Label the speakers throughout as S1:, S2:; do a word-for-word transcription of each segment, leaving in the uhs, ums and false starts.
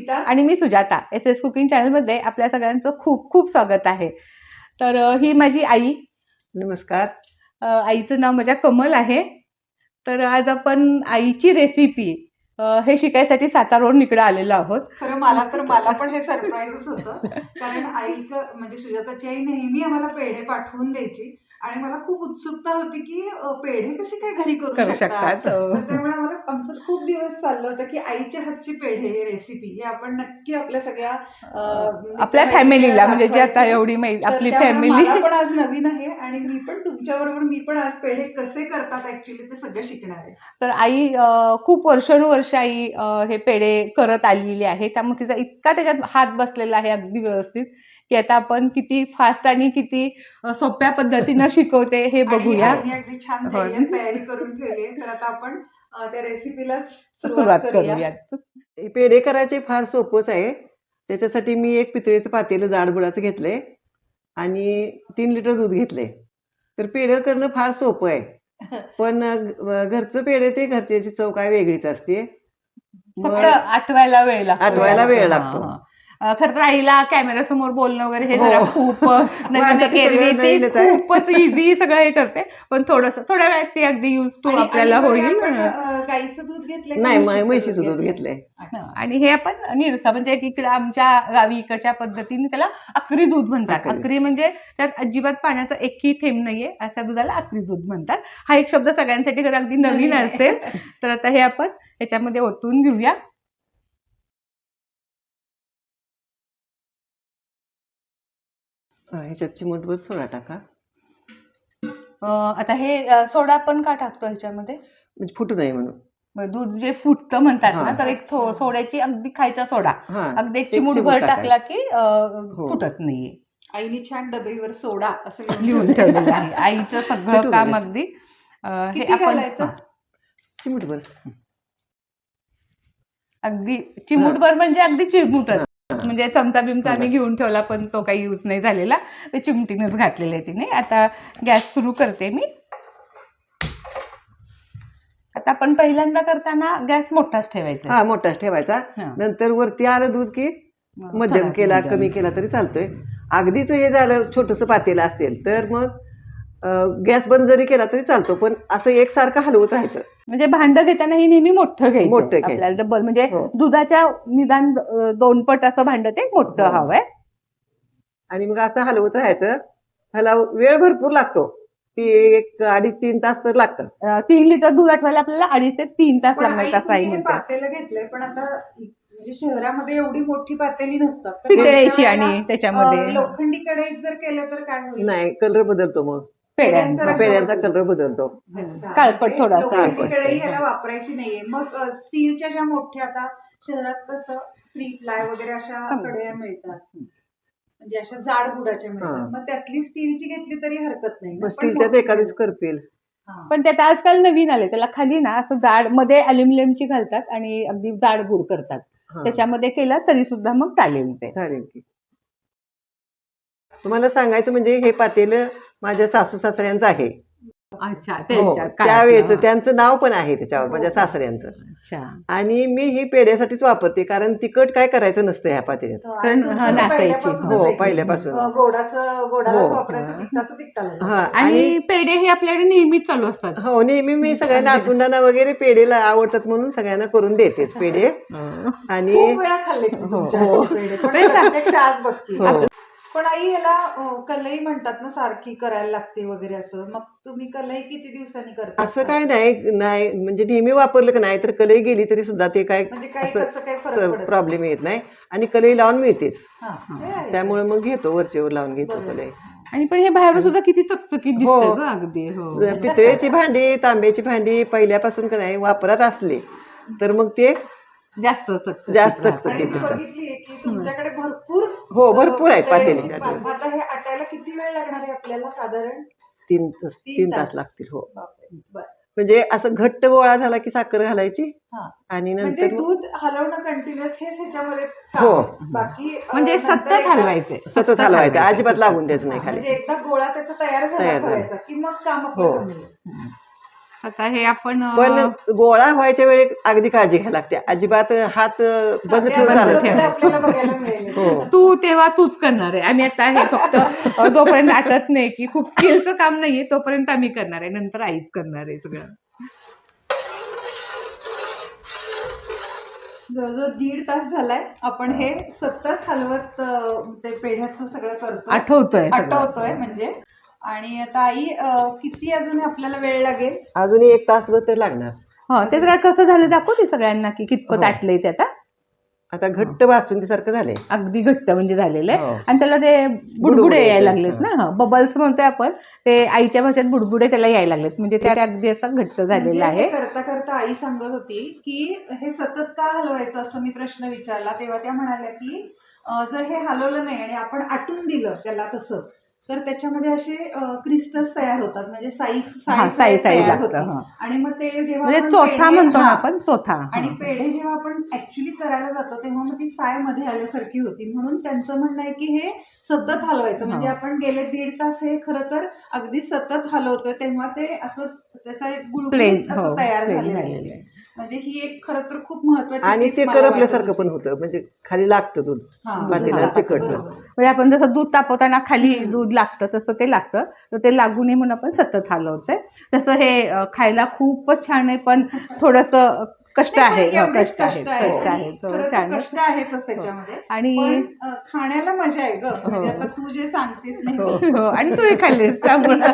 S1: स्मिता
S2: आणि मी Sujata. S S cooking चॅनलमध्ये आपल्या सगळ्यांचं खूप खूप स्वागत आहे. तर अ, ही माझी आई.
S3: नमस्कार.
S2: अ, आईचं नाव माझ्या कमल आहे. तर आज आपण आईची रेसिपी हे शिकायसाठी सातारावरून इकडे आलेलो आहोत.
S1: खरं मला तर मला पण हे सरप्राईजच होतं, कारण आई म्हणजे सुजाताची आई नेहमी आम्हाला पेढे पाठवून द्यायची आणि मला खूप उत्सुकता होती की अ, पेढे कसे काय घरी करू
S2: करू
S1: शकतात.
S2: शकतात.
S1: तर त्यामुळे आम्हाला आमचं खूप दिवस चाललं होतं की आईच्या हातची पेढे ही रेसिपी हे आपण नक्की आपल्या सगळ्या अ,
S2: आपल्या
S1: मित्र-मैत्रिणींना
S2: फॅमिलीला म्हणजे जी आता
S1: दाखवायचं.
S2: एवढी मै-
S1: तर
S2: आपली
S1: त्यामुळे
S2: फॅमिली
S1: मला पण आज नवीन आहे आणि मी पण तुमच्याबरोबर मी पण आज पेढे कसे करतात ऍक्च्युली ते सगळं शिकणार आहे.
S2: तर आई अ, खूप वर्षानुवर्ष आई अ, हे पेढे करत आलेली आहे. त्यामुळे तिचा इतका त्याच्यात हात बसलेला आहे अगदी व्यवस्थित की आता आपण किती फास्ट आणि किती अ, सोप्या पद्धतीनं शिकवते हे
S1: आणि
S2: बघूया.
S1: आईने अगदी छान
S2: हो.
S1: जय्यत तयारी करून ठेवली आहे. तर आता आपण अ, त्या रेसिपीला
S2: सुरुवात
S1: सुरुवात करूया.
S2: करूयात.
S3: हे पेढे करायचे फार सोपंच आहे. त्याच्यासाठी मी एक पितळेचं पातेलं जाड बुडाचं घेतलंय आणि तीन लिटर दूध घेतलंय. तर पेढे करणं फार सोपं आहे, पण अ, घरचं पेढे ते घरच्याची चव काय वेगळीच असते.
S2: फक्त
S3: मग
S2: आठवायला वेळ लागतो.
S3: आठवायला वेळ
S2: हा,
S3: लागतो.
S2: हा. अ, खरं तर आईला कॅमेरा समोर बोलणं वगैरे हे
S3: हो.
S2: जरा खूप अ, नवीन आहे.
S3: माझ्यासाठी
S2: एरवी
S3: सगळं
S2: ती
S3: नवीनच आहे.
S2: खूपच इझी सगळं हे करते, पण थोडस थोड्या वेळात ती अगदी युज टू
S1: आणि
S2: आपल्याला
S1: आणि
S2: होईल.
S1: आपण, अ, गाईचं दूध घेतलंय का
S3: नाही,
S1: म्हशीचं
S3: म्हशीचं
S1: दूध
S3: दूध
S1: घेतलंय?
S3: घेतलंय.
S2: हा, आणि हे आपण निरसा म्हणजे इकडे आमच्या गावी इकडच्या पद्धतीने त्याला अकरी दूध म्हणतात.
S3: अकरी.
S2: अकरी म्हणजे त्यात अजिबात पाण्याचा एकही थेंब नाहीये, अशा दुधाला अकरी दूध म्हणतात. हा एक शब्द सगळ्यांसाठी जर अगदी नवीन
S1: नवीन आहे.
S2: असेल तर आता हे आपण ह्याच्यामध्ये ओतून घेऊया.
S3: हा, ह्याच्यात चिमूटभर सोडा टाका
S2: अ, आता हे अ, सोडा आपण का टाकतो ह्याच्यामध्ये?
S3: म्हणजे फुटू नये म्हणून.
S2: मग दूध जे फुटतं म्हणतात
S3: हा.
S2: ना, तर एक थो-
S1: अच्छा.
S2: सोड्याची अगदी खायचा सोडा
S3: हा,
S2: अगदी एक
S3: एक
S2: चिमूटभर
S3: चिमूट
S2: टाकला
S3: टाकायचं.
S2: की अ,
S3: हो.
S2: फुटत नाहीये.
S1: आईने छान डबेवर सोडा असं
S2: लिहून ठेवलेलं आहे. आईचं सगळं
S3: फुटू
S2: काम
S3: नये.
S2: अगदी अ, हे
S1: किती
S2: आपण
S1: घालायचं?
S2: हा,
S3: चिमूटभर.
S2: अगदी चिमूटभर म्हणजे अगदी चिमूटच.
S3: हा.
S2: म्हणजे चमचा बिमचा
S3: हा,
S2: आम्ही
S3: बस.
S2: घेऊन ठेवला पण तो काही यूज नाही झालेला. ते चिमटीनच घातलेलं आहे तिने. आता गॅस सुरू करते मी. आता आपण पहिल्यांदा करताना गॅस मोठाच ठेवायचा.
S3: हा, मोठाच ठेवायचा.
S2: हा.
S3: नंतर वरती आलं दूध की
S2: मग
S3: मध्यम
S2: थोडा
S3: केला
S2: मध्यम.
S3: कमी केला तरी चालतोय. अगदीच हे झालं छोटस पातेलं असेल तर मग गॅस बंद जरी केला तरी चालतो, पण असं एकसारखं हलवत राहायचं.
S2: म्हणजे भांड घेताना ही नेहमी मोठं घ्यायचं.
S3: मोठं घ्यायचं.
S2: आपल्याला डबल म्हणजे
S3: हो.
S2: दुधाच्या निदान अ, दोन पट असं भांड ते मोठं
S3: हो.
S2: हवंय.
S3: आणि मग असं हलवत राहायचं. ह्याला वेळ भरपूर लागतो. ती एक अडीच तीन तास तर लागतात.
S2: अ, तीन लिटर दूध आठवायला आपल्याला अडीच ते तीन तास
S1: पण आई
S2: लागणार असं आई
S1: तुम्ही हे
S2: म्हणते.
S1: पातेलं घेतलंय, पण आता म्हणजे शहरामध्ये एवढी मोठी पातेली नसतात. तर
S2: पितळेची
S1: अशा वेळेला,
S2: आणि त्याच्यामध्ये
S1: अ, लोखंडी कढईत जर केलं तर काय होईल?
S3: नाही, कलर बदलतो मग.
S2: पेड्यांचा
S1: पेड्यांचा
S3: पेड्यांचा
S1: रंग
S3: कलर बदलतो.
S1: अच्छा.
S2: काळपट
S1: म्हणजे
S2: थोडासा.
S1: लोखंडी
S3: काळपट.
S1: कढई ह्याला वापरायची नाहीये. मग अ, स्टीलच्या ज्या मोठ्या आता शहरात कसं थ्री प्लाय वगैरे अशा
S2: हं.
S1: कढया मिळतात, म्हणजे अशा जाड बुडाच्या मिळतात.
S3: हा.
S1: मग त्यातली स्टीलची घेतली तरी हरकत नाही ना?
S3: मग
S1: पण
S3: स्टीलच्याच
S1: मोठी
S3: एका दिवशी
S1: घ्यायला.
S3: करपेल.
S1: हा.
S2: पण त्यात आजकाल नवीन आले त्याला खाली ना असं जाड मध्ये अल्युमिनियमची घालतात आणि अगदी जाड गुड करतात.
S3: हा.
S2: त्याच्यामध्ये केलं तरी सुद्धा मग चालेल ते.
S3: चालेल की. तुम्हाला सांगायचं म्हणजे हे पातेलं माझ्या सासू सासऱ्यांचं आहे.
S2: अच्छा,
S3: हो,
S2: त्यांच्या
S3: त्यावेळेच
S2: काळातलं.
S3: त्यांचं नाव पण आहे त्याच्यावर,
S1: हो.
S3: माझ्या सासऱ्यांचं.
S2: अच्छा.
S3: आणि मी ही पेढ्यासाठीच वापरते, कारण तिखट काय करायचं नसतं ह्या पातेल्यात.
S1: आणि
S2: कारण
S1: तुमचं
S2: हा,
S1: तर
S2: नासायची.
S1: पहिल्यापासूनच
S3: हो,
S1: आहे की,
S3: पहिल्यापासून.
S1: अ, गोडाचं गोडालाच
S3: हो.
S1: वापरायचं, तिखटाचं तिखटाला.
S3: हा,
S2: आणि
S3: आणि
S2: पेढे हे आपल्याकडे नेहमीच चालू असतात.
S3: हो, नेहमी मी सगळ्या नातुंडांना वगैरे पेढेला आवडतात म्हणून सगळ्यांना करून देतेच पेढे. आणि
S1: खूप वेळा खाल्ले मी
S2: हो,
S1: तुमच्या
S3: हो.
S1: हातचे पेढे, पण
S2: तेच.
S1: प्रत्यक्ष आज बघते.
S3: हो.
S1: पण आई याला अ, कलई म्हणतात ना, सारखी करायला लागते वगैरे असं. मग तुम्ही कलई किती दिवसांनी करता?
S3: असं काय नाही नाही म्हणजे नेहमी वापरलं की नाही तर कलई गेली तरी सुद्धा ते काय
S1: म्हणजे काही कसं काही फरक पडत नाही.
S3: प्रॉब्लेम येत नाही. आणि कलई लावून मिळतेच,
S1: हा, ते आहे.
S3: त्यामुळे मग घेतो, वरचेवर लावून घेतो
S1: बरोबर.
S3: कलई.
S2: आणि पण हे बाहेरून सुद्धा किती चकचकीत
S3: हो.
S2: दिसतंय ग अगदी. हो.
S3: पितळेची भांडी, तांब्याची भांडी पहिल्यापासून का नाही वापरात असली तर मग ते
S2: जास्त चकचकीत
S3: जास्त
S2: राहतं.
S1: आणि
S3: चकचकीत
S1: मी
S3: दिसतात.
S1: बघितलीये की तुमच्याकडे भरपूर
S3: हो, भरपूर आहेत
S1: अ,
S3: पातेली.
S1: पा- आता हे आटायला किती वेळ लागणार आहे आपल्याला साधारण?
S3: तीन तास
S1: तीन
S3: तीन
S1: तास.
S3: तास लागतील. हो,
S1: बापरे. बरं.
S3: म्हणजे असं घट्ट गोळा झाला की साखर घालायची
S1: हा.
S3: आणि
S1: म्हणजे
S3: नंतर मग-
S1: दूध हलवणं कंटिन्युअस हेच ह्याच्यामध्ये काम
S3: हो.
S1: आहे. बाकी अ,
S2: म्हणजे
S1: नंतर
S2: सतत
S1: एकदा-
S2: हलवायचे.
S3: सतत हलवायचं, अजिबात लागून द्यायचं नाही
S1: हा,
S3: खाली.
S1: म्हणजे एकदा गोळा त्याचा तयार झाला
S3: तयार झाला.
S1: करायचा की मग काम आपलं
S3: हो.
S1: कमी आहे.
S2: आता हे आपण अं,
S3: पण गोळा व्हायच्या वेळी अगदी काळजी घ्यायला लागते. अजिबात हात अं, बंद
S1: ते
S3: ठेवून
S1: आपण
S3: चालत
S1: करतो
S3: नाही.
S1: ते आपल्याला बघायला मिळेल.
S3: हो.
S2: तू तेव्हा तूच करणार आहे. आम्ही आता हे फक्त अं, जोपर्यंत आटत नाही की खूप स्किलचं काम नाहीये तोपर्यंत आम्ही करणार आहे, नंतर आईच करणार आहे सगळं.
S1: जवळजवळ दीड तास झालाय आपण हे सतत हलवत अं, ते पेढ्याचं सगळं करतो,
S2: आठवतोय सगळं.
S1: आठवतोय म्हणजे. आणि आता आई अं, किती अजून आपल्याला वेळ लागेल?
S3: अजून एक तासभर तर लागणार.
S2: हा ते जरा कसं झालं दाखवते सगळ्यांना की कितपत
S3: हो.
S2: आटलंय ते आता.
S3: आता घट्ट बासुंदी सारखं झालंय.
S2: अगदी घट्ट म्हणजे झालेलं आहे.
S3: हो.
S2: आणि त्याला ते बुडबुडे
S3: बुडबुडे
S2: यायला
S3: येतात,
S2: लागलेत ना, बबल्स म्हणतोय आपण, ते आईच्या भाषेत बुडबुडे त्याला यायला लागलेत, म्हणजे ते अगदी असं घट्ट
S1: म्हणजे
S2: झालेलं
S1: हे
S2: आहे.
S1: करता करता आई सांगत होती की हे सतत का हलवायचं असं मी प्रश्न विचारला, तेव्हा त्या म्हणाल्या की अं, जर हे हलवलं नाही आणि आपण आटून दिलं त्याला तसंच तर त्याच्यामध्ये असे क्रिस्टल्स तयार होतात, म्हणजे साई
S2: हा, साई साई लागतं. हा.
S1: आणि मग ते जेव्हा
S2: म्हणजे
S1: आपण
S2: चोथा
S1: पेढे-
S2: म्हणतो ना
S1: हा.
S2: आपण, चोथा.
S1: आणि
S2: हा.
S1: पेढे जेव्हा आपण ऍक्च्युली करायला जातो तेव्हा मग ती साय मध्ये आल्यासारखी होती, म्हणून त्यांचं म्हणणं आहे की हे सतत हलवायचं. म्हणजे
S2: हा.
S1: आपण गेले दीड तास हे खरं तर अगदी सतत हलवतोय तेव्हा ते असं त्याचा एक
S2: प्लेन
S1: गुळगुळीत
S2: हो
S1: असं तयार
S2: प्लेन
S1: झालेलं
S2: झालेलं
S1: आहे.
S2: आहे.
S1: म्हणजे ही एक खरं तर खूप महत्वाची
S3: आणि
S1: tip
S3: ते
S1: मला वाटत
S3: करपल्यासारखं
S1: होती.
S3: पण होतं, म्हणजे खाली लागतं दूध
S1: हा,
S3: पातेल्याला
S1: हा,
S3: चिकटलं.
S1: बरोबर.
S2: म्हणजे आपण जसं दूध तापवताना खाली
S1: हम्म.
S2: दूध लागतं तसं ते लागतं, तर ते लागू नये म्हणून आपण सतत हलवतोय. तसं हे अं, खायला खूपच छान आहे, पण थोडस कष्ट
S1: नाही, पण
S2: आहे. हो,
S1: एवढेच
S2: कष्ट आहे,
S1: कष्ट आहे.
S2: कष्ट
S1: आणि
S2: आहे, हो,
S1: खरं तर
S2: छान
S1: कष्ट
S2: आहे.
S1: आहेतच त्याच्यामध्ये.
S2: आणि
S1: पण अं, खाण्याला मजा आहे ग, म्हणजे
S2: हो.
S1: आता तू जे सांगतेस नाही
S3: हो.
S2: हो, आणि तू हे खाल्लेस त्यामुळं.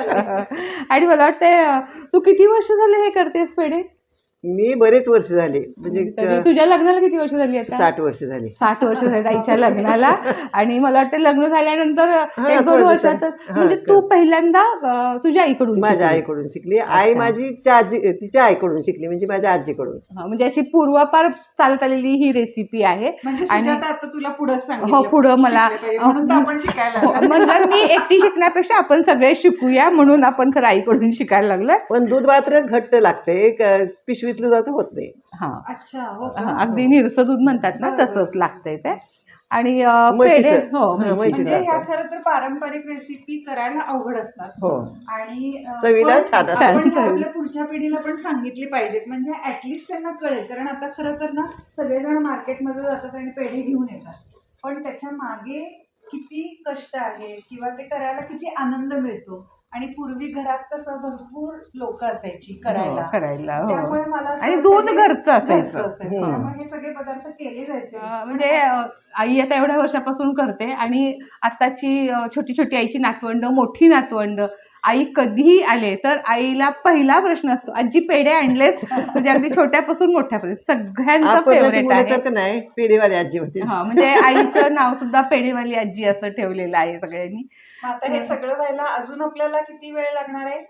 S2: आणि मला वाटतंय अं, तू किती वर्ष झाले हे करतेस पेढे?
S3: मी बरेच वर्ष झाली, म्हणजे
S2: तरी
S3: क-
S2: तुझ्या लग्नाला किती वर्ष झाली आता?
S3: साठ वर्ष झाली.
S2: साठ वर्ष झाली आईच्या लग्नाला. आणि मला वाटतं लग्न झाल्यानंतर
S3: हा,
S2: एक दोन
S3: थोड्या
S2: वर्षातच
S3: दिवसांनी.
S2: म्हणजे
S3: हा,
S2: तू
S3: कर.
S2: पहिल्यांदा अं, तुझ्या आईकडून
S3: माझ्या
S2: शिकली.
S3: आईकडून शिकली. आई
S2: अच्छा.
S3: माझी त्या आजी तिच्या आईकडून शिकली, म्हणजे माझ्या आजीकडून.
S2: हा, म्हणजे अशी पूर्वापार चालत आलेली ही रेसिपी आहे.
S1: म्हणजे
S2: आणि
S1: सुजाता आता तुला पुढे
S2: हो,
S1: सांगितलं
S2: पुढं मला
S1: शिकलं पाहिजे, म्हणून तर आपण शिकायला
S2: हो,
S1: लागलो.
S2: म्हणलं मी एकटी शिकण्यापेक्षा आपण सगळे शिकूया, म्हणून आपण खरं आईकडून शिकायला लागलोय.
S3: पण दूध मात्र घट्ट लागते, क- पिशवीत दुधाचं होत नाही.
S2: हा,
S1: अच्छा, हो
S2: हा,
S1: का?
S2: अगदी निरसं दूध म्हणतात ना,
S1: बरोबर.
S2: तसंच लागतंय ते. आणि अं,
S3: म्हशीचं.
S2: पेढे हो
S3: हा,
S2: म्हशीचं.
S3: म्हशीचं.
S1: म्हणजे ह्या
S3: जातं.
S1: खरं तर पारंपरिक रेसिपी करायला अवघड असतात.
S3: हो.
S1: आणि अं,
S3: चवीला
S1: पण
S3: छान असतात.
S1: आपण ह्या आपल्या पुढच्या पिढीला पण सांगितली पाहिजेत, म्हणजे ऍटलिस्ट त्यांना कळेल. कारण आता खरं तर ना सगळेजण मार्केटमध्ये जातात आणि पेढे घेऊन येतात, पण त्याच्या मागे किती कष्ट आहे किंवा ते करायला किती आनंद मिळतो. आणि पूर्वी घरात कसं भरपूर लोक असायची करायला,
S2: हो, करायला, हो.
S1: त्यामुळे मला असं
S2: आणि
S1: वाटतं
S2: दूध
S1: हे
S2: घरचं असायचं.
S1: घरचं असायचं.
S3: हम्म.
S1: त्यामुळे हे सगळे पदार्थ केले जायचे.
S2: अं, म्हणजे अं, आई आता एवढ्या वर्षापासून करते, आणि आताची अं, छोटी छोटी आईची नातवंड, मोठी नातवंड आई कधीही आले तर आईला पहिला प्रश्न असतो, आजी पेढे आणलेत? म्हणजे अगदी छोट्यापासून मोठ्यापर्यंत सगळ्यांचं
S3: आपणाची
S2: फेवरेट
S3: मुलं
S2: आहे.
S3: तर का नाही, पेढेवाली आजी होती.
S2: हा, म्हणजे आईचं नाव सुद्धा पेढेवाली आजी असं ठेवलेलं आहे सगळ्यांनी.
S1: मग आता हे सगळं व्हायला अजून आपल्याला किती वेळ लागणार आहे?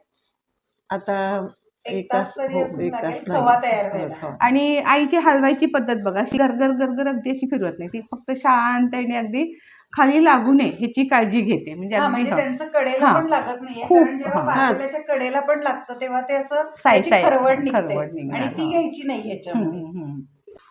S3: आता
S1: एक
S3: एक
S1: तास
S3: तास
S1: तरी
S3: हो,
S1: अजून
S3: एक तास
S1: लागेल
S3: लागेल.
S1: खवा तयार व्हायला.
S3: हो.
S2: आणि आईची हलवायची पद्धत बघा, अशी गरगर गरगर अगदी अशी फिरवत नाही, ती फक्त शांतपणे अगदी खाली लागू नये ह्याची काळजी घेते. म्हणजे
S1: हा,
S2: अगदी
S1: म्हणजे
S2: हा.
S1: त्यांचं कडेला
S2: हा.
S1: पण लागत नाहीये,
S2: खूप,
S1: कारण जेव्हा
S2: हा.
S1: पातेल्याच्या कडेला पण लागतं तेव्हा ते असं
S2: साई
S1: त्याची
S2: साई
S1: खरवड निघते
S2: खरवड निघणार,
S1: आणि ती
S2: हा.
S1: घ्यायची नाही ह्याच्यामध्ये.
S2: हम्म, हम्म.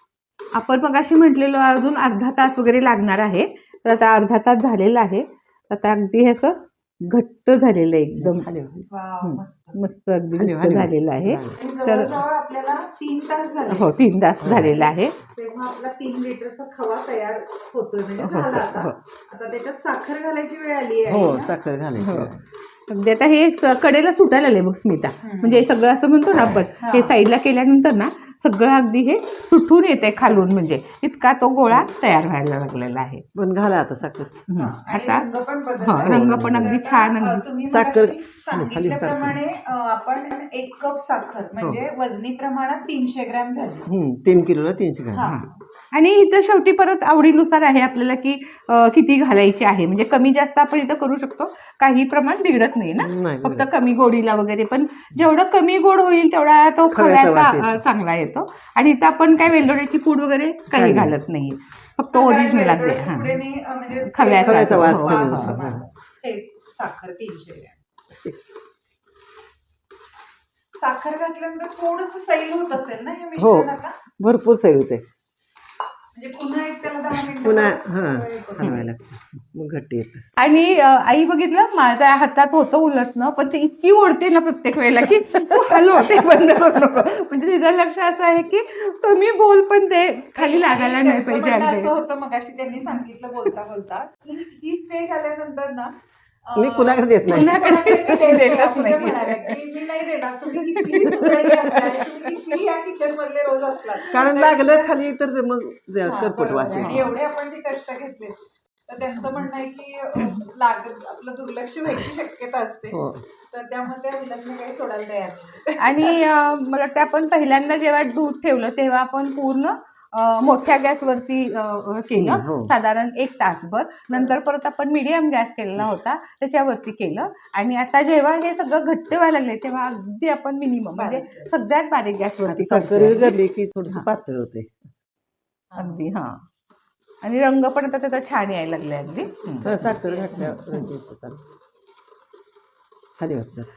S2: आपण मग अशी म्हटलेलो अजून अर्धा तास वगैरे लागणार आहे, तर आता अर्धा तास झालेला आहे. आता अगदी हे असं घट्ट झालेलं आहे एकदम.
S3: हलव.
S1: वाव,
S2: हम्म.
S1: मस्त.
S2: मस्त अगदी
S3: हलव,
S2: घट्ट
S3: हलव.
S2: झालेलं आहे.
S3: झालं.
S1: आणि
S2: तर
S1: जवळजवळ आपल्याला तीन तास झाले.
S2: हो, तीन तास
S3: हो.
S2: झालेला आहे.
S1: तेव्हा आपला तीन लिटरचा खवा तयार होतोय, म्हणजे
S2: होतं,
S1: झाला आता.
S2: हो.
S1: आता त्याच्यात साखर घालायची वेळ आली आहे
S3: हो,
S1: ना?
S3: साखर घालायची.
S2: हो. अगदी आता हे स- कडेला सुटायला लागले बघ स्मिता,
S1: हम्म.
S2: म्हणजे हे सगळं असं म्हणतो ना आपण,
S1: हा.
S2: हे साईडला केल्यानंतर ना सगळं अगदी हे सुटून येते खालून, म्हणजे इतका तो गोळा तयार व्हायला लागलेला आहे.
S3: पण घाला आता साखर.
S2: हम्म.
S1: हा, आणि
S2: आता
S1: रंग पण
S2: हा,
S1: बदलला.
S2: रंग
S3: हो,
S2: पण
S3: रंग
S2: अगदी
S1: आता,
S2: छान
S1: अ,
S2: अगदी
S1: तुम्ही
S3: साखर-
S1: मगाशी
S3: खाली- खाली
S1: सांगितल्याप्रमाणे अ, आपण एक कप साखर म्हणजे वजनी प्रमाणात तीनशे ग्रॅम झाली.
S3: हम्म, तीन किलोला तीनशे ग्रॅम.
S1: हा.
S2: आणि इथं शेवटी परत आवडीनुसार आहे आपल्याला की अं, किती घालायची आहे, म्हणजे कमी जास्त आपण इथं करू शकतो, काही प्रमाण बिघडत नाही ना,
S3: नाही
S2: फक्त
S3: बिघडत.
S2: कमी गोडीला वगैरे. पण जेवढं कमी गोड होईल तेवढा तो
S3: खव्याचा
S2: खव्याचा
S3: वास येतो.
S2: अं, चांगला येतो. आणि इथं आपण काय वेलदोड्याची पूड वगैरे काही
S3: काही नाही.
S2: घालत नाही, फक्त
S1: कारण
S2: ओरिजिनल अगदी.
S1: वेलदोड्याच्या
S2: हा.
S1: पुढेने, अ, म्हणजे
S2: खव्याचा
S3: खव्याचा वास
S2: हो,
S3: कमी
S2: हो,
S3: होतो.
S2: हो.
S3: हा.
S1: हे साखर तीनशे ग्रॅम. साखर घातल्यानंतर थोडस सैल होत असेल ना या
S3: हो,
S1: मिश्रणाला?
S3: भरपूर सैल होते.
S1: म्हणजे पुन्हा एक त्याला दहा मिनिटं
S3: पुन्हा हा हलवायला लागतं मग घट्ट येतं.
S2: आणि अं, आई बघितलं माझ्या हातात होतं उलटणं, पण ते इतकी ओढते ना प्रत्येक वेळेला की तू हलव, ते बंद करू नको. म्हणजे तिचं लक्ष असं आहे की तुम्ही बोल पण ते खाली लागायला नाही
S1: त्यांचं
S2: पाहिजे.
S1: म्हणणं
S2: अगदी
S1: असं होतं मगाशी त्यांनी सांगितलं बोलता बोलता की ही स्टेज आल्यानंतर ना
S3: मी कुणाकडे देत नाही.
S1: कुणाकडे मी देत नाही,
S2: देतच
S1: असं ते
S2: नाही.
S1: म्हणाल्या की मी नाही देणार. तुम्ही कितीही सुगरणी असला आणि तुम्ही कितीही या किचन मधले रोज असलात
S3: कारण
S1: तरी
S3: लागलं
S1: सुद्धा-
S3: खाली तर ते मग
S1: हा,
S3: करपट
S1: बरोबर
S3: वास
S1: आहे. आणि
S3: येतो.
S1: एवढे आपण जे कष्ट घेतले तर त्यांचं म्हणणं आहे की अं, लागत आपलं दुर्लक्ष व्हायची शक्यता असते.
S3: हो.
S1: तर त्यामुळे त्या मुलांना काही सोडायला तयार नाही.
S2: आणि अं, मला वाटतं आपण पहिल्यांदा जेव्हा दूध ठेवलं तेव्हा आपण पूर्ण अं, मोठ्या गॅसवरती अं, केलं,
S3: हम्म, हो.
S2: साधारण एक तासभर. नंतर परत आपण मीडियम गॅस केलेला होता त्याच्यावरती केलं. आणि आता जेव्हा हे सगळं घट्ट व्हायला लागले तेव्हा अगदी आपण मिनिमम म्हणजे
S1: बारीक.
S2: सगळ्यात बारीक
S3: आता
S2: गॅसवरती
S3: साखर
S2: करतोय.
S3: गरली की थोडस
S2: हा.
S3: पातळ होते.
S2: अगदी हा. आणि रंग पण आता त्याचा छान यायला लागलाय अगदी. हम्म.
S3: हा, साखर घातल्यावर रंग येतो चांगला. खाली वाच जरा.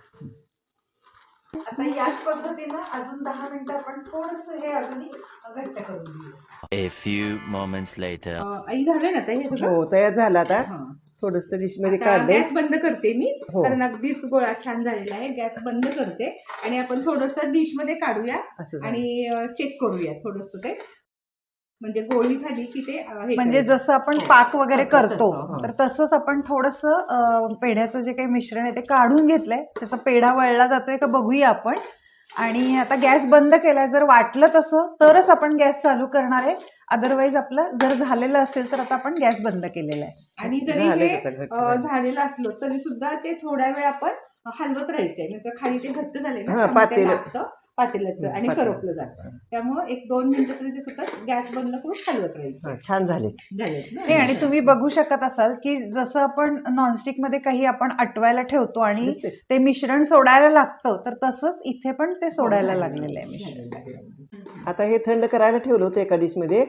S1: आता याच पद्धतीनं अजून दहा मिनिटं आपण थोडस हे अजूनही घट्ट करून घेऊया.
S4: A few moments later.
S2: अं, आई झालं ना ते हे सगळं?
S3: हो तयार झाला आता.
S2: हा.
S3: थोडस डिश मध्ये
S2: आता
S3: काढले.
S2: गॅस बंद करते मी,
S3: हो.
S2: कारण अगदीच गोळा छान झालेला आहे. गॅस बंद करते आणि आपण थोडस डिश मध्ये काढूया
S3: असं झालं.
S2: आणि चेक करूया थोडस ते, म्हणजे गोळी झाली की ते अं, हे
S5: म्हणजे
S2: करायचं.
S5: जसं आपण
S2: हो.
S5: पाक वगैरे
S2: तसं,
S5: करतो
S2: तसं, हो.
S5: तर तसंच आपण थोडस पेढ्याचं जे काही मिश्रण आहे ते काढून घेतलंय. त्याचा पेढा वळला जातोय का बघूया आपण. आणि आता गॅस बंद केलाय. जर वाटलं तसं तरच आपण गॅस चालू करणार आहे. अदरवाईज आपलं जर झालेलं असेल तर आता आपण गॅस बंद केलेला आहे.
S2: आणि जरी
S3: झालंच
S2: हे
S3: आता, घट्ट
S2: अं,
S3: झालं.
S2: झालेलं असलं तरी सुद्धा ते थोड्या वेळ आपण हलवत राहायचंय, म्हणजे खाली ते घट्ट झाले ना
S3: हा,
S2: त्यामुळे ते
S3: पातेलं.
S2: लागतं पातेल्याचं आणि
S3: पातेलं.
S2: करपलं जातं. त्यामुळे एक दोन मिनिटं तरी ते सतत गॅस बंद करून हलवत राहायचं.
S3: हा, छान झाले.
S2: झालेत ना?
S5: नाही आणि तुम्ही बघू शकत असाल की जसं आपण नॉनस्टिक मध्ये काही आपण अटवायला ठेवतो आणि
S3: दिसते.
S5: ते मिश्रण सोडायला लागतं तर तसंच इथे पण ते सोडायला
S2: हो,
S5: लागलेलं आहे मिश्रण.
S2: झालेलं आहे.
S3: आता हे थंड करायला ठेवलं होतं एका डिश मध्ये.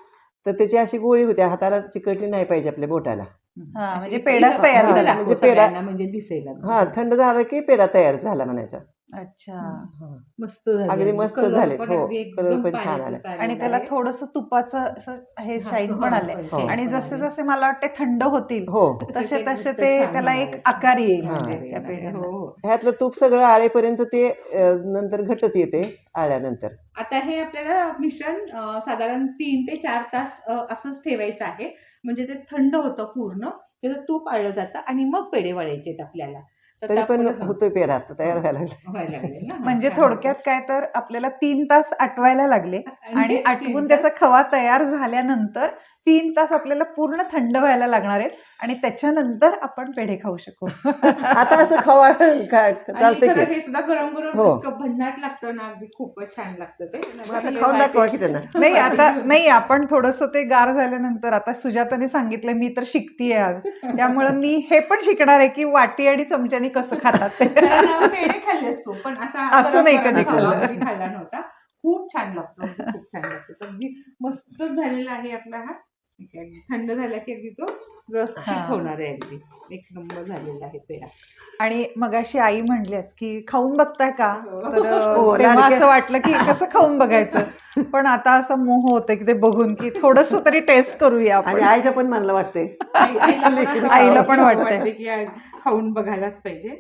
S3: तर त्याची अशी गोळी होती, हाताला चिकटली नाही पाहिजे आपल्या बोटाला.
S5: हा, म्हणजे
S2: इथं-
S5: पेढाच
S2: इथं
S5: तयार
S2: दाखव
S3: झाला. म्हणजे पेढा-
S2: सगळ्यांना, म्हणजे दिसेल अगदी.
S3: हा, थंड झालं की पेढा तयार झाला म्हणायचा.
S5: अच्छा.
S2: मस्त झाले.
S3: अगदी मस्त
S2: कलर
S3: झालेत,
S2: पण
S3: हो.
S2: अगदी एकदम
S3: कलर पण छान
S2: पाण्याचा
S3: आला.
S2: आलेला
S5: आणि त्याला
S2: आहे.
S5: थोडस तुपाचं असं हे
S2: हा,
S5: शाईन
S2: हो,
S5: पण
S2: हो,
S5: आलंय.
S2: हो.
S5: आणि जसे जसे मला वाटते थंड होतील
S3: हो.
S5: तसे
S2: ते
S5: तसे
S2: घट्ट
S5: ते
S2: छान
S5: त्याला
S2: होणार
S5: एक
S2: आहे.
S5: आकार येईल
S3: हा.
S5: म्हणजे
S2: येणार
S5: त्या
S2: आहे.
S5: पेढ्यांना.
S2: हो, हो.
S3: ह्यातलं तूप सगळं आळेपर्यंत ते अं, नंतर घटच येते आळ्यानंतर.
S2: आता हे आपल्याला मिश्रण अं, साधारण तीन ते चार तास अं, असंच ठेवायचं आहे, म्हणजे ते थंड होतं पूर्ण, त्याचं तूप आळलं जातं आणि मग पेढे वळायचे आहेत आपल्याला. तर
S3: तरी पण
S2: आपण-
S3: होतोय पेढा आता तयार व्हायला लागला.
S2: व्हायला लागले ना.
S5: म्हणजे
S2: छान
S5: थोडक्यात
S2: होतं.
S5: काय तर आपल्याला तीन तास आटवायला लागले आणि
S2: तीन
S5: आटवून
S2: तास-
S5: त्याचा खवा तयार झाल्यानंतर तीन तास आपल्याला पूर्ण थंड व्हायला लागणार आहेत आणि त्याच्यानंतर आपण पेढे खाऊ शकू.
S3: आता असं खावा खा-
S2: आणि
S3: चालतंय
S2: खरं
S3: की.
S2: हे सुद्धा गरम गरम
S3: हो.
S2: इतकं भन्नाट लागतं ना, अगदी खूपच छान लागतं ते.
S3: मग आता खाऊन दाखवा की त्यांना.
S5: नाही आता नाही आपण थोडस ते गार झाल्यानंतर आता सुजाताने सांगितलं मी तर शिकतीये आज त्यामुळे मी हे पण शिकणार आहे की वाटी आणि चमच्याने कसं खातात ते.
S2: कारण पेढे खाल्ले असतो पण असा
S5: असं
S2: गरम
S5: नाही
S2: गरम
S5: कधी
S2: खाल्ला,
S5: खाल्लं.
S2: कधी खाल्ला नव्हता. खूप छान लागतो, अगदी खूप छान लागतो. तर अगदी मस्तच झालेला आहे आपला हा. ठीक आहे. थंड झाला की अगदी तो व्यवस्थित
S5: हा.
S2: होणार आहे. अगदी एक नंबर झालेला आहे पेढा.
S5: आणि मगाशी आई म्हणली की खाऊन बघताय का तर
S3: हो,
S5: अं, तेव्हा
S3: लाडक्या-
S5: असं वाटलं की कसं खाऊन बघायचं पण आता असं मोह होतं की ते बघून की थोडस तरी टेस्ट करूया
S3: आणि
S5: आपण.
S3: आईच्या पण मनाला वाटते.
S2: आई- आईला पण असं
S5: आईला पण
S2: वाटतं
S5: वाटतंय.
S2: की आ- खाऊन बघायलाच पाहिजे.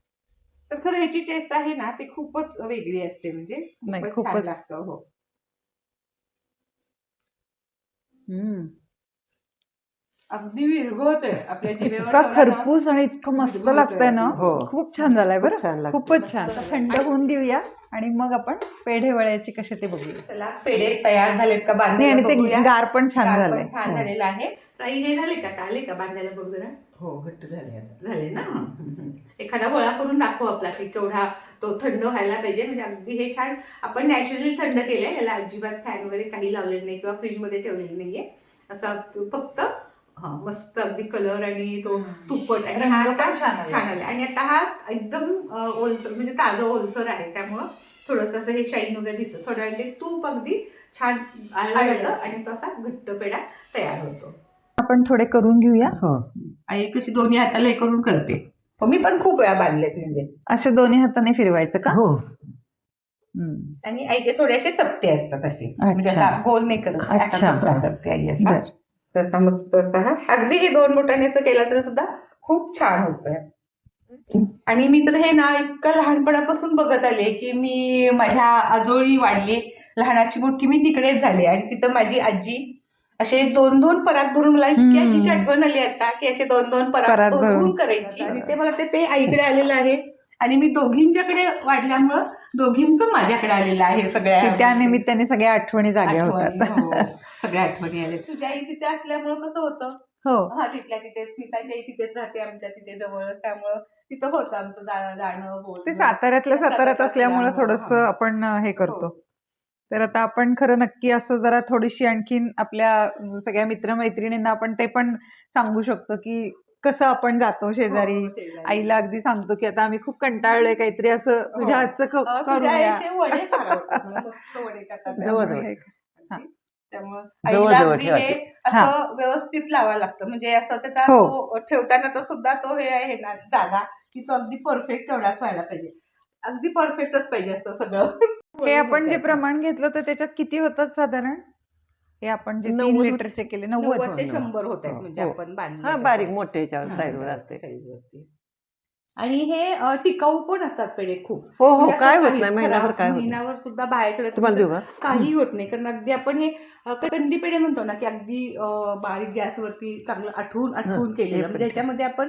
S2: तर खरं ह्याची टेस्ट आहे ना ती खूपच वेगळी असते, म्हणजे
S5: नाही,
S2: खूपच छान
S5: खूपच.
S2: लागतं. हो.
S5: हम्म.
S2: अगदी विरघळतंय आपल्या जिभेवर
S5: इतका
S2: ठेवला ना.
S5: खरपूस आणि इतकं मस्त
S2: विरघळतंय
S5: लागतंय ना.
S3: हो.
S5: खूप छान झालाय
S3: खूप
S5: बरं.
S3: छान लागतं.
S5: खूपच छान.
S2: मस्त
S5: आता
S2: झालंय.
S5: थंड होऊन देऊया आणि मग आपण पेढे वळायचे कसे ते बघूया.
S2: चला पेढे तयार झालेत का
S5: नाही
S2: बांधायला
S5: आणि ते
S2: बघूया.
S5: गार पण छान
S2: गार
S5: झालंय.
S2: पण छान
S5: हो.
S2: झालेलं आहे. ताई हे झाले का आता आले का बांधायला बघ जरा.
S3: हो, घट्ट झाले आता.
S2: झाले ना. एखादा गोळा करून दाखव आपला की केवढा तो थंड व्हायला पाहिजे, म्हणजे अगदी हे छान आपण नॅचरली थंड केलंय. याला अजिबात फॅन वगैरे काही लावलेलं नाही किंवा फ्रीजमध्ये ठेवलेलं नाहीये. असं फक्त हा मस्त अगदी कलर आणि तो तुपट आणि
S5: रंग
S2: हा
S5: पण
S2: आता
S5: छान आला.
S2: छान आला. आणि आता हा एकदम अं, ओलसर म्हणजे ताजं ओलसर आहे, त्यामुळं थोडंसं असं हे शाईन वगैरे दिसतं. थोड्या वेळ ते तूप अगदी छान आळलं जातं आणि तो असा घट्ट पेढा तयार होतो.
S5: आपण थोडे करून घेऊया.
S3: हो.
S2: आई कशी दोन्ही हाताला हे करून करते. हो, मी पण खूप वेळा बांधलेत म्हणजे.
S5: असे दोन्ही हाताने फिरवायचं का?
S3: हो.
S5: हम्म.
S2: आणि आईचे थोडेसे तप्ते असतात असे, म्हणजे
S5: अच्छा.
S2: आता गोल नाही करत,
S5: अच्छा.
S2: असा तप्ता करते आई असा.
S5: बर.
S2: तसा मस्त असा हा अगदी हे दोन बोटाने असं केला तर सुद्धा खूप छान होतोय. आणि मी तर हे ना इतकं लहानपणापासून बघत आले की मी माझ्या आजोळी वाढली, लहानाची मोठी मी तिकडेच झाले आणि तिथं माझी आजी असे दोन दोन परात भरून, मला इतकी
S5: हम्म.
S2: आजीची आठवण आली आता की असे दोन दोन
S5: परात
S2: परात
S5: भरून.
S2: भरून करायची आणि ते मला वाटतं ते आईकडे आलेलं आहे आणि मी दोघींच्याकडे वाढल्यामुळं दोघींचं माझ्याकडे आलेलं आहे
S5: की
S2: सगळ्या
S5: त्या निमित्ताने सगळ्या आठवणी जाग्या
S2: आठवणी,
S5: होतात.
S2: हो, सगळ्या आठवणी आल्या. तुझ्या आई तिथे असल्यामुळं कसं होतं,
S5: हो.
S2: हा तिथल्या तिथे स्मिताची आई तिथेच राहते आमच्या तिथे जवळच, त्यामुळं तिथं होतं आमचं जाणं जाणं
S5: ते
S2: बोलणं.
S5: साताऱ्यातल्या साताऱ्यात असल्यामुळे
S2: असल्यामुळं,
S5: थोडस
S2: हा.
S5: आपण अं, हे करतो.
S2: हो.
S5: तर आता आपण खरं नक्की असं जरा थोडीशी आणखीन आपल्या अं, सगळ्या मित्रमैत्रिणींना आपण ते पण सांगू शकतो की कसं आपण जातो शेजारी.
S2: हो, शेजारी.
S5: आईला अगदी सांगतो की आता आम्ही खूप कंटाळलोय, काहीतरी असं तुझ्या
S2: हो.
S5: हातचं क-
S2: अं,
S5: करून
S2: तुझ्या
S5: द्या.
S2: आईचे वडे फार आवडतात मला, मस्त वडे करतात
S3: जवळ
S2: त्यामुळे
S3: जवळ
S2: हे-
S5: हा.
S2: त्यामुळं
S3: जवळ
S2: आईला
S3: जवळ
S2: अगदी हे
S3: ठेवायचे.
S5: हा.
S2: असं व्यवस्थित लावावं लागतं, म्हणजे असं त्याचा
S5: हो.
S2: तो ठेवताना तर सुद्धा तो हे आहे ना जागा, की तो अगदी परफेक्ट तेवढाच व्हायला पाहिजे, अगदी परफेक्टच पाहिजे असं सगळं.
S5: हे आपण जे प्रमाण घेतलं तर त्याच्यात किती होतात साधारण? हे आपण जे तीन
S3: नव्वद होत-
S5: लिटरचे केले नव्वद.
S2: नव्वद ते
S3: हो,
S2: शंभर होत आहेत
S3: हो,
S2: म्हणजे
S3: हो.
S2: आपण बांधले
S3: हा
S2: तसं.
S3: बारीक मोठे याच्यावर
S2: हा,
S3: साईजवर
S2: त्यावर
S3: असते.
S2: साईजवरती. आणि हे अं, टिकाऊ पण असतात पेढे खूप.
S3: हो हो
S2: म्हणजे असं
S3: काय होत
S2: काही
S3: नाही, महिनाभर
S2: खराब-
S3: काय होत नाही.
S2: महिनाभर सुद्धा बाहेरकडे
S3: तुम्हाला देऊ का?
S2: काही होत नाही, कारण अगदी आपण हे अं, कंदी पेढे म्हणतो ना की अगदी अं, बारीक गॅसवरती चांगलं आठवून आठवून
S3: हं,
S2: केलेलं,
S3: हे
S2: म्हणजे
S3: पण
S2: याच्यामध्ये आपण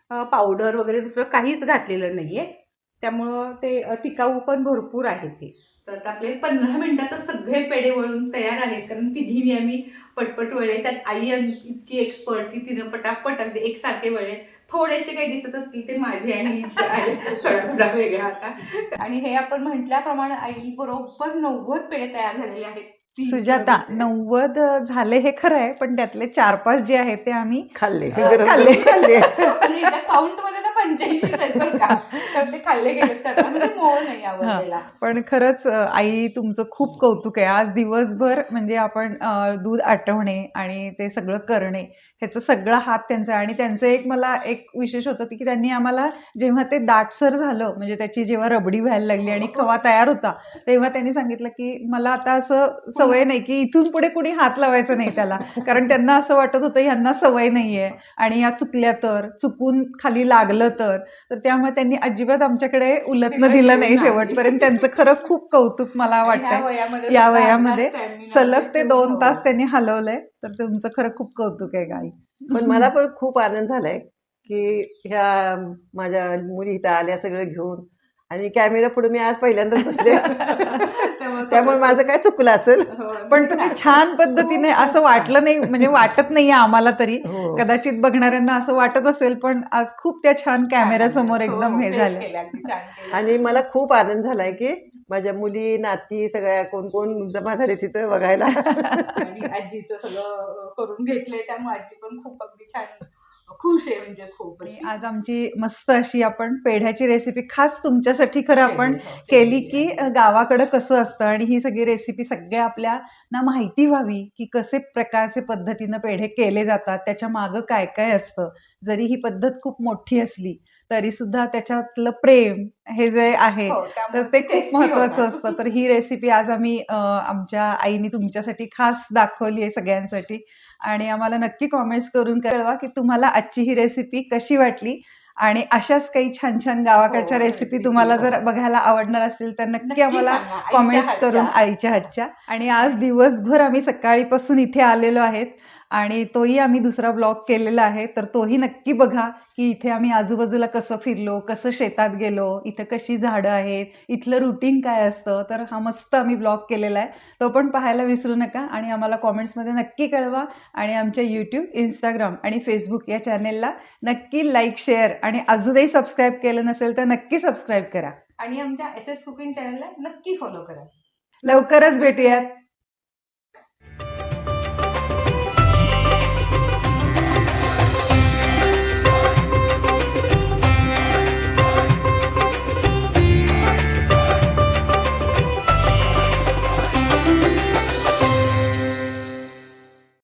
S2: पावडर वगैरे दुसरं काहीच घातलेलं नाहीये, त्यामुळं ते अं, टिकाऊ पण भरपूर आहे ते. तर आता आपले पंधरा मिनिटात सगळे पेढे वळून तयार आहेत, कारण तिघींनी आम्ही पटपट वळे, त्यात आई आम- इतकी एक्सपर्ट की तिनं पटापट अगदी एकसारखे वळे, थोडेसे काही दिसत असतील ते माझे आणि हिचे आहे, थोडा थोडा वेगळा आता. आणि हे आपण म्हटल्याप्रमाणे आई बरोबर नव्वद पेढे तयार झालेले आहेत. तीन
S5: सुजाता
S2: किलोचे.
S5: नव्वद झाले हे खरं आहे, पण त्यातले चार पाच जे आहेत ते आम्ही
S3: खाल्ले
S5: अं,
S3: गरम
S5: खाल्ले.
S3: गरम खाल्ले.
S2: आणि काउंट मध्ये तर पंच्याऐंशी आहेत बरं का, तर ते खाल्ले गेले त्याचा म्हणजे मोह नाही
S5: हा,
S2: आवडलेला.
S5: पण खरंच अं, आई तुमचं खूप कौतुक आहे. आज दिवसभर म्हणजे आपण अं, दूध आटवणे आणि ते सगळं करणे ह्याचा सगळा हात त्यांचा आहे. आणि त्यांचं एक मला एक विशेष होतं की त्यांनी आम्हाला जेव्हा ते दाटसर झालं, म्हणजे त्याची जेव्हा रबडी व्हायला लागली आणि खवा तयार होता, तेव्हा त्यांनी सांगितलं की मला आता असं सवय नाही की इथून पुढे कुणी हात लावायचं नाही त्याला, कारण त्यांना असं वाटत होतं ह्यांना सवय नाहीये आणि या चुकल्या तर, चुकून खाली लागलं तर तर त्यामुळे त्यांनी अजिबात आमच्याकडे उलटणं दिलं नाही शेवटपर्यंत. त्यांचं खरं खूप कौतुक मला
S2: आणि ह्या
S5: वाटतंय.
S2: वयामध्ये
S5: या
S2: सुद्धा
S5: वयामध्ये
S2: अंगात stamina
S5: सलग
S2: म्हणजे
S5: ते
S2: ठेवून,
S5: दोन
S2: हो.
S5: तास त्यांनी हलवलंय, तर तुमचं खरं खूप कौतुक आहे गाई.
S3: पण मला पण खूप आनंद झालाय की ह्या माझ्या मुली इथं आल्या सगळं घेऊन, आणि कॅमेरा पुढे मी आज पहिल्यांदाच बसले.
S2: त्यामुळे
S3: त्यामुळे माझं काय चुकलं असेल.
S2: हो,
S5: पण तुम्ही छान पद्धतीने,
S2: खूप-
S5: असं वाटलं नाही, म्हणजे वाटत नाहीये आम्हाला तरी,
S3: हो.
S5: कदाचित बघणाऱ्यांना असं वाटत असेल, पण आज खूप त्या छान कॅमेरा समोर
S2: हो,
S5: एकदम हे
S2: face
S5: झालं.
S2: केलं, अगदी छान केलं.
S3: आणि मला खूप आनंद झालाय की माझ्या मुली नाती सगळ्या कोण कोण जमा झाले तिथं बघायला.
S2: आणि आजीचं सगळं करून घेतलंय, त्यामुळे आजी पण खूप अगदी छान खुश आहे, म्हणजे खूप
S5: आणि
S2: अशी.
S5: आज आमची मस्त अशी आपण पेढ्याची रेसिपी खास तुमच्यासाठी खरं आपण
S2: केली, हो,
S5: केली
S2: केली
S5: की
S2: आहे.
S5: गावाकडे कसं असतं, आणि ही सगळी रेसिपी सगळ्या आपल्या ना माहिती व्हावी की कसे प्रकारचे पद्धतीनं पेढे केले जातात, त्याच्या मागं काय काय असतं. जरी ही पद्धत खूप मोठी असली तरी सुद्धा त्याच्यातलं प्रेम हे जे आहे
S2: हो,
S5: तर
S2: त्यामुळे
S5: ते
S2: ती
S5: खूप
S2: tasty
S5: महत्वाचं
S2: होणार.
S5: असतं. तर ही रेसिपी आज आम्ही अं, आमच्या आईने तुमच्यासाठी खास दाखवली आहे सगळ्यांसाठी, आणि आम्हाला नक्की कॉमेंट्स करून कळवा की तुम्हाला आजची ही रेसिपी कशी वाटली. आणि अशाच काही छान छान गावाकडच्या
S2: हो,
S5: रेसिपी
S2: recipe,
S5: तुम्हाला
S2: हो.
S5: जर बघायला आवडणार असतील तर नक्की
S2: नक्की
S5: आम्हाला
S2: सांगा, आईच्या
S5: कॉमेंट्स
S2: हातच्या.
S5: करून, आईच्या हातच्या. आणि आज दिवसभर आम्ही सकाळीपासून इथे आलेलो आहेत आणि तोही आम्ही दुसरा ब्लॉग केलेला आहे, तर तोही नक्की बघा की इथे आम्ही आजूबाजूला कसं फिरलो, कसं शेतात गेलो, इथं कशी झाडं आहेत, इथलं रुटीन काय असतं. तर हा मस्त आम्ही ब्लॉग केलेला आहे, तो पण पाहायला विसरू नका आणि आम्हाला कॉमेंट्समध्ये नक्की कळवा. आणि आमच्या यूट्यूब, इंस्टाग्राम आणि फेसबुक या चॅनेलला नक्की लाईक, शेअर आणि अजूनही सबस्क्राईब केलं नसेल तर नक्की सबस्क्राईब करा.
S2: आणि आमच्या एस एस कुकिंग चॅनलला नक्की फॉलो करा.
S5: लवकरच भेटूयात.